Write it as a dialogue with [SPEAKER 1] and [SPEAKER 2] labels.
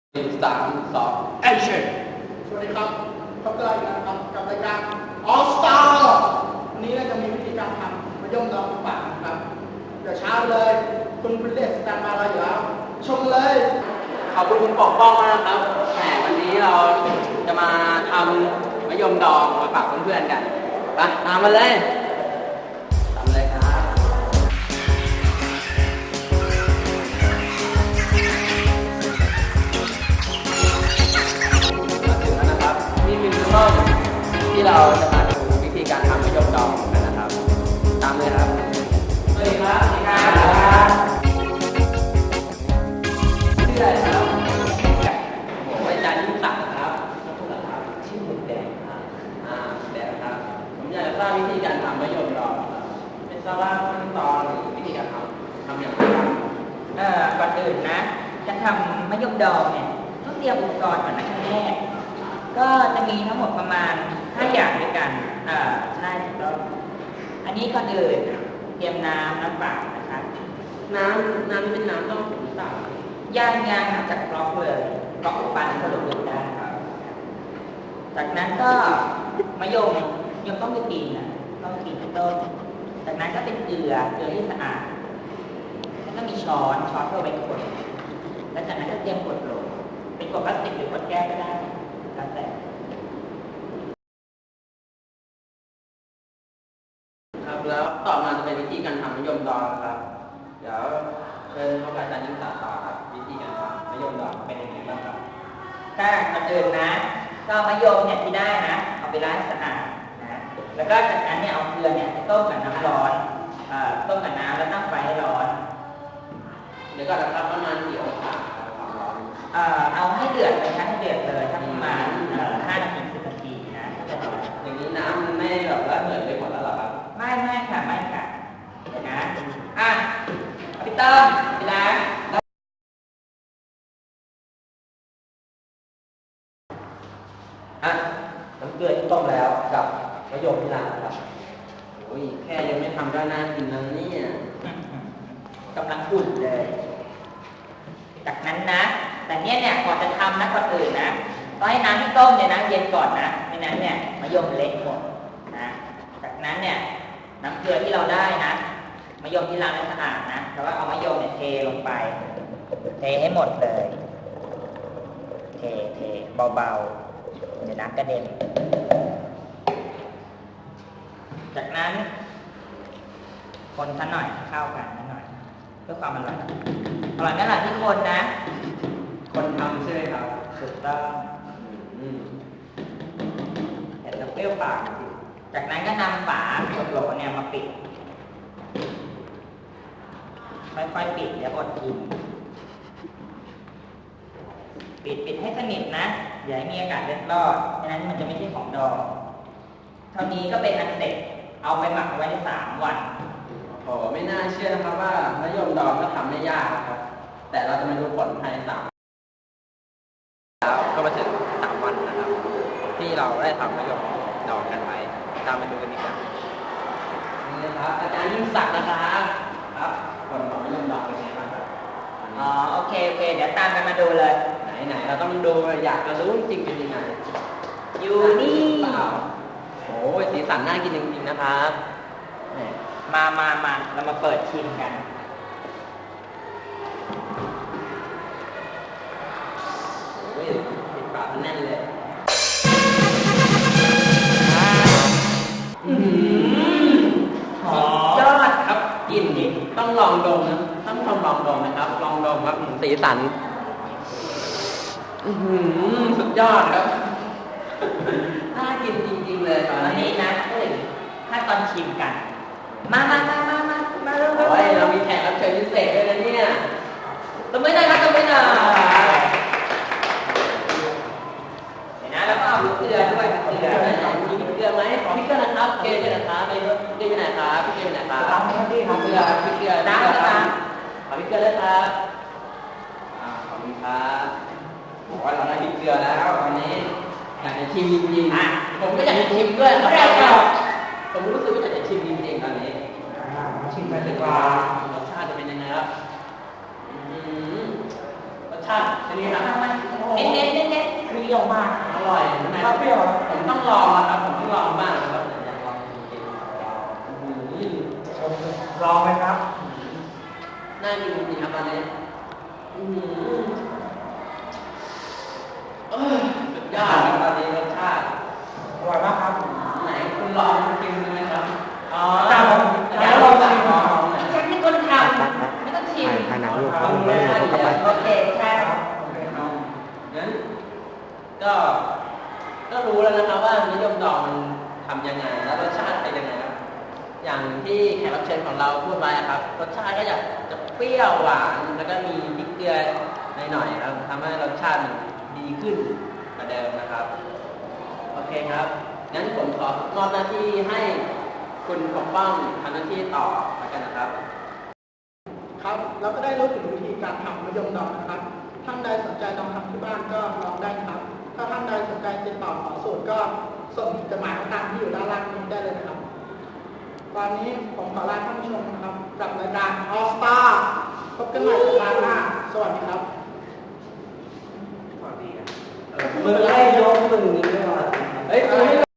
[SPEAKER 1] 3 2 Action สวัสดีครับพบกันอีกแล้วนะครับกับรายการ All Star วันนี้เราจะมีวิธีการทำมะยมดองฝากนะครับเดี๋ยวเช้าเลยคุณพริเลสสแตนบายเราอยู่แล้วชมเลย
[SPEAKER 2] ขอบคุณคุณปกป้องมากนะครับแหมวันนี้เราจะมาทำมะยมดองมาฝากเพื่อนๆกันไปตามมาเลยตามเลยครับมาถึงแล้วนะครับนี่คือห้องที่เราจะมาดูวิธีการทำมะยมดองกันนะครับตามเลยครับสวัสดีครับสวัสดีครับชื่ออะไรครับผมอาจารย์ยิ่งศักดิ์ครับชื่อหมึกแดงครับแดงครับผมอยากจะทราบวิธีการทำมะยมดองครับเป็นทราบว่าขั้นตอนหรือวิธีการทำอย่างไรครับ
[SPEAKER 3] ก่อนอื่นนะจะทำมะยมดองเนี่ยต้องเตรียมอุปกรณ์ก่อนนะขั้นแรกก็จะมีทั้งหมดประมาณ5อย่างด้วยกันใช่ถูกต้องอันนี้ก่อนอื่นเตรียมน้ำเปล่านะครับ
[SPEAKER 2] น้ำนี่เป็นน้ำต้มหรือเปล่า
[SPEAKER 3] ย่างน้ำจากกรอกเลยกรอกอุปกรณ์ผสมกันได้ครับจากนั้นก็มะยมต้องมีกลิ่นนะต้องกลิ่นต้นจากนั้นก็เป็นเกลือที่สะอาดแล้วก็มีช้อนเพื่อไว้กดแล้วจากนั้นก็เตรียมกดโหลเป็นกดพลาสติกหรือกดแก้วก็ได้แล้วแต่
[SPEAKER 2] ครับแล้วต่อมาจะเป็นวิธีการทำมะยมดองครับเดี๋ยวเชิญพบอาจารย์ยิ่งศักดิ์ต่อครับวิธีการทำมะยมดองเป็นยังไงบ้างครับ
[SPEAKER 3] ถ้าก่อนอื่นนะก็มะยมเนี่ยที่ได้นะเอาไปล้างสะอาดนะแล้วก็จากนั้นเนี่ยเอาเกลือเนี่ยไปต้มกับน้ำร้อนต้มกับน้ำแล้วตั้งไฟให้ร้อน
[SPEAKER 2] เดี๋ยวก็จะทำประมาณกี่องศาความร้อน
[SPEAKER 3] เอาให้เดือดเลยครับให้เดือดเลยถ้าประมาณ5 นาที 10 นาทีนะ
[SPEAKER 2] อย่างนี้น้ำมันไม่แบบละเหมือนไปหมดแล้วหรอครับ
[SPEAKER 3] ไม่ค่ะเดี๋ยวนะพี่ต้อมพี่ล้าง
[SPEAKER 2] น้ำเกลือที่ต้มแล้วกับมะยมที่ล้างครับโอ้ยแค่ยังไม่ทำก็น่ากินแล้วเนี่ย
[SPEAKER 3] กำลังอุ่นเลยจากนั้นนะแต่เนี่ยก่อนจะทำนะก่อนอื่นนะต้องให้น้ำที่ต้มเนี่ยนะเย็นก่อนนะไม่นั้นเนี่ยมะยมเละหมดนะจากนั้นเนี่ยน้ำเกลือที่เราได้นะมะยมที่ล้างให้สะอาดนะแล้วก็เอามะยมเนี่ยเทลงไปเทให้หมดเลยเทเบาๆเดี๋ยวน้ำกระเด็นจากนั้นคนซะหน่อยเข้ากันหน่อยเพื่อความอร่อยไม่อร่อยที่คนนะ
[SPEAKER 2] คนทำใช่ไหมครับ
[SPEAKER 3] ถูกต้องแต่จะเปรี้ยวปากจากนั้นก็นำฝาขวดโหลเนี่ยมาปิดค่อยๆปิดเดี๋ยวอดกินปิดให้สนิทนะอย่าให้มีอากาศเล็ดรอดฉะนั้นมันจะไม่ใช่ของดองเท่านี้ก็เป็นอันเสร็จเอาไปหมักไว้ได้3 วัน
[SPEAKER 2] โอ้ไม่น่าเชื่อนะครับว่ามะยมดองก็ทำไม่ยากนะครับแต่เราจะมาดูผลภายในแล้วก็มาถึง3 วันนะครับที่เราได้ทำมะยมดองกันไปตามมาดูกันดีกว่านี่ครับอาจารย์ยิ่งศักดิ์นะครับผลของมะยมดองเป็นไงบ้างครับ
[SPEAKER 3] โอเคเดี๋ยวตามกันมาดูเลย
[SPEAKER 2] ไหนเราต้องดูอยากจะรู้จริงเป็นยังไง
[SPEAKER 3] อยู่นี่
[SPEAKER 2] เปล่าโอ้ยสีสันน่ากินจริงๆนะครับ
[SPEAKER 3] มาเรามาเปิดชิมกัน
[SPEAKER 2] โอ้ยติดปากแน่นเลย
[SPEAKER 3] หอมยอด
[SPEAKER 2] ครับกินดิต้องลองดมนะต้องลองดมนะครับลองดมครับสีสันสุดยอดครับน่ากินจริงๆเลยตอน
[SPEAKER 3] นี้นะถ้าตอนชิมกันมาเร็ว
[SPEAKER 2] เรามีแขกรับเชิญพิเศษด้วยนะเนี่ย
[SPEAKER 3] ต้องไม่ได้ครับต้องไม่ได้เดี๋ยวนะแล้วก็เอาเกลือด้วยเกลือ
[SPEAKER 2] มีเกลือไหมขอพี่เกลือนะครับเกลืออยู่ไหนครับพี่เกลืออยู่ไหนครับพี่เกลืออยู่ไหนครับ
[SPEAKER 3] พี่เกลือ
[SPEAKER 2] น้ำนะครับขอพี่เกลือเลยครับขอบคุณครับบอกว่าเราได้พี่เกลือแล้ววันนี้อยากจะชิมจริงๆผมก็อยากจะชิมด้วยครับผมรู้สึกว่าอยากจะชิมจริงๆตอนนี้
[SPEAKER 3] ชิมไปดีกว่าร
[SPEAKER 2] สชาติจะเป็นยังไงครับรสชาติเป็นยังไงครับ
[SPEAKER 3] เน้นเปรี้ยวมาก
[SPEAKER 2] อร่อยใช่ไหมครับเปรี้ยวผมต้องลองนะครับผมต้องลองบ้างนะครับอยากลองจริงๆ
[SPEAKER 3] ลองไหมครับ
[SPEAKER 2] น่ากินจริงๆครับตอนนี้สุดยอดครับตอนนี้รสชาติ
[SPEAKER 3] อร่อยมากครับ
[SPEAKER 2] ไหนคุณลองกินดูไหมครับ
[SPEAKER 3] อ๋อ
[SPEAKER 2] อยากลองชิมลอง
[SPEAKER 3] ฉันเป็นคนทำไม่ต้องชิม
[SPEAKER 4] ถ่ายหนังลูก
[SPEAKER 2] ลองเลยนะ
[SPEAKER 3] โอเคใช่
[SPEAKER 2] งั้นก็รู้แล้วนะครับว่านิยมดองมันทำยังไงแล้วรสชาติเป็นยังไงครับอย่างที่แขกรับเชิญของเราพูดไว้ครับรสชาติก็จะเปรี้ยวหวานแล้วก็มีพริกเกลือหน่อยๆครับทำให้รสชาติมันดีขึ้นกว่าเดิมนะครับโอเคครับงั้นผมขอมอบหน้าที่ให้คุณปกป้องทำหน้าที่ต่อแล้วกันนะครับ
[SPEAKER 1] ครับเราก็ได้รู้ถึงวิธีการทำมะยมดองนะครับท่านใดสนใจลองทำที่บ้านก็ลองได้ครับ ถ้าท่านใดสนใจติดต่อขอสูตรก็ส่งจดหมายมาตามที่อยู่ด้านล่างนี้ได้เลยนะครับ ตอนนี้ผมขอลาท่านผู้ชมนะครับกับรายการ All Star พบกันใหม่สัปดาห์หน้าสวัสดีครับ
[SPEAKER 2] มึงไล่ยกมึงนี่ไม่มาเฮ้ย